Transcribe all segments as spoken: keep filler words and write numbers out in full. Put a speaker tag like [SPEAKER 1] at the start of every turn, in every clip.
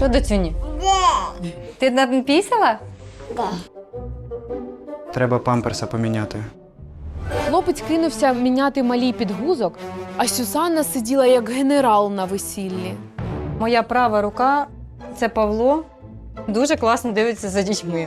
[SPEAKER 1] Що, доцюні? Ти напісила?
[SPEAKER 2] Треба памперса поміняти.
[SPEAKER 3] Хлопець кинувся міняти малій підгузок, а Сюзанна сиділа як генерал на весіллі.
[SPEAKER 1] Моя права рука – це Павло. Дуже класно дивиться за дітьми.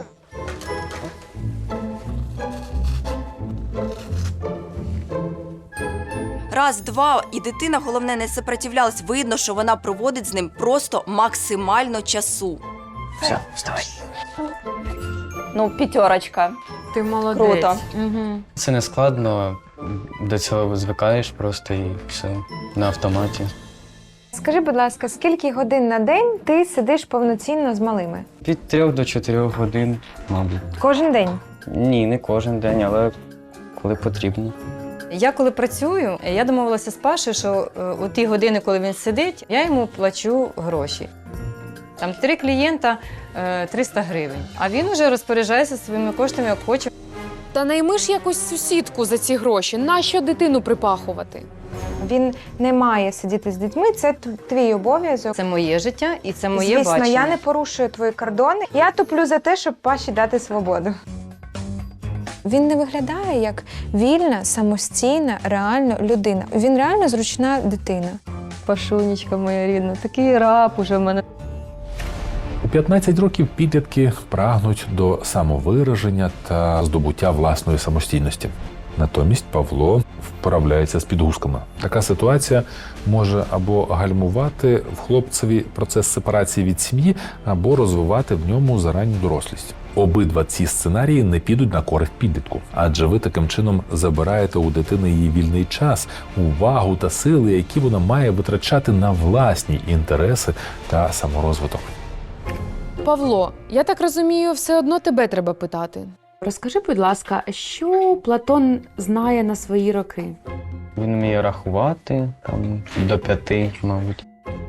[SPEAKER 4] Раз, два, і дитина, головне, не сопротивлялась. Видно, що вона проводить з ним просто максимально часу.
[SPEAKER 2] Все, вставай.
[SPEAKER 1] Ну, п'ятерочка.
[SPEAKER 3] Ти молодець.
[SPEAKER 1] Круто.
[SPEAKER 3] Угу.
[SPEAKER 5] Це не складно, до цього звикаєш просто і все, на автоматі.
[SPEAKER 6] Скажи, будь ласка, скільки годин на день ти сидиш повноцінно з малими?
[SPEAKER 5] Від трьох до чотирьох годин, мабуть.
[SPEAKER 6] Кожен день?
[SPEAKER 5] Ні, не кожен день, але коли потрібно.
[SPEAKER 1] Я коли працюю, я домовилася з Пашею, що е, у ті години, коли він сидить, я йому плачу гроші. Там три клієнта е, триста гривень. А він вже розпоряджається своїми коштами, як хоче.
[SPEAKER 3] Та найми ж якусь сусідку за ці гроші. Нащо дитину припахувати?
[SPEAKER 6] Він не має сидіти з дітьми, це т- твій обов'язок.
[SPEAKER 1] Це моє життя і це моє
[SPEAKER 6] Звісно,
[SPEAKER 1] бачення.
[SPEAKER 6] я не порушую твої кордони. Я туплю за те, щоб Паші дати свободу. Він не виглядає як вільна, самостійна, реально людина. Він реально зручна дитина.
[SPEAKER 1] Пашунечка моя рідна, такий раб уже в мене.
[SPEAKER 7] У п'ятнадцять років підлітки прагнуть до самовираження та здобуття власної самостійності. Натомість Павло вправляється з підгузками. Така ситуація може або гальмувати в хлопцеві процес сепарації від сім'ї, або розвивати в ньому заранню дорослість. Обидва ці сценарії не підуть на користь підлітку, адже ви таким чином забираєте у дитини її вільний час, увагу та сили, які вона має витрачати на власні інтереси та саморозвиток.
[SPEAKER 3] Павло, я так розумію, все одно тебе треба питати. Розкажи, будь ласка, що Платон знає на свої роки?
[SPEAKER 5] Він вміє рахувати, там, до п'яти, мабуть.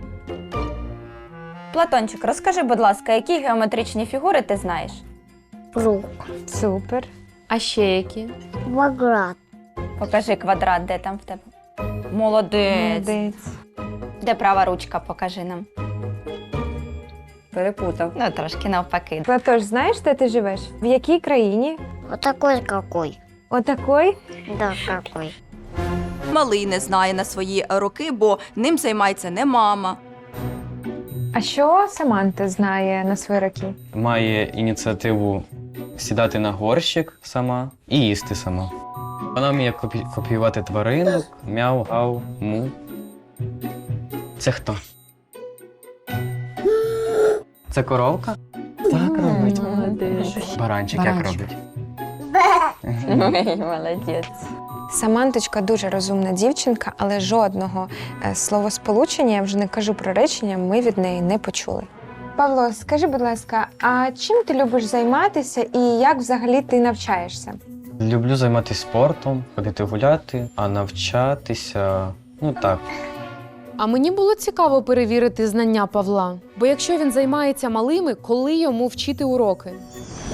[SPEAKER 8] Платончик, розкажи, будь ласка, які геометричні фігури ти знаєш?
[SPEAKER 9] Круг,
[SPEAKER 6] Супер.
[SPEAKER 3] А ще які?
[SPEAKER 9] квадрат,
[SPEAKER 8] Покажи квадрат, де там в тебе. Молодець.
[SPEAKER 6] Молодець.
[SPEAKER 8] Де права ручка, покажи нам.
[SPEAKER 1] Перепутав.
[SPEAKER 8] Ну, трошки навпаки.
[SPEAKER 6] Платош, знаєш, де ти живеш? В якій країні?
[SPEAKER 9] вот такой какой,
[SPEAKER 6] Отакой?
[SPEAKER 9] да какой.
[SPEAKER 4] Малий не знає на свої роки, бо ним займається не мама.
[SPEAKER 6] А що Саманта знає на свої роки?
[SPEAKER 5] Має ініціативу сідати на горщик сама і їсти сама. Вона вміє копі- копіювати тваринок, мяу, гав, му. Це хто? Це коровка? Так робить.
[SPEAKER 1] Молодець.
[SPEAKER 5] Баранчик як
[SPEAKER 1] Баранчик.
[SPEAKER 5] робить?
[SPEAKER 1] Ой, молодець.
[SPEAKER 6] Саманточка дуже розумна дівчинка, але жодного е, словосполучення, я вже не кажу про речення, ми від неї не почули. Павло, скажи, будь ласка, а чим ти любиш займатися і як взагалі ти навчаєшся?
[SPEAKER 5] Люблю займатися спортом, ходити гуляти, а навчатися, ну так.
[SPEAKER 3] А мені було цікаво перевірити знання Павла. Бо якщо він займається малими, коли йому вчити уроки?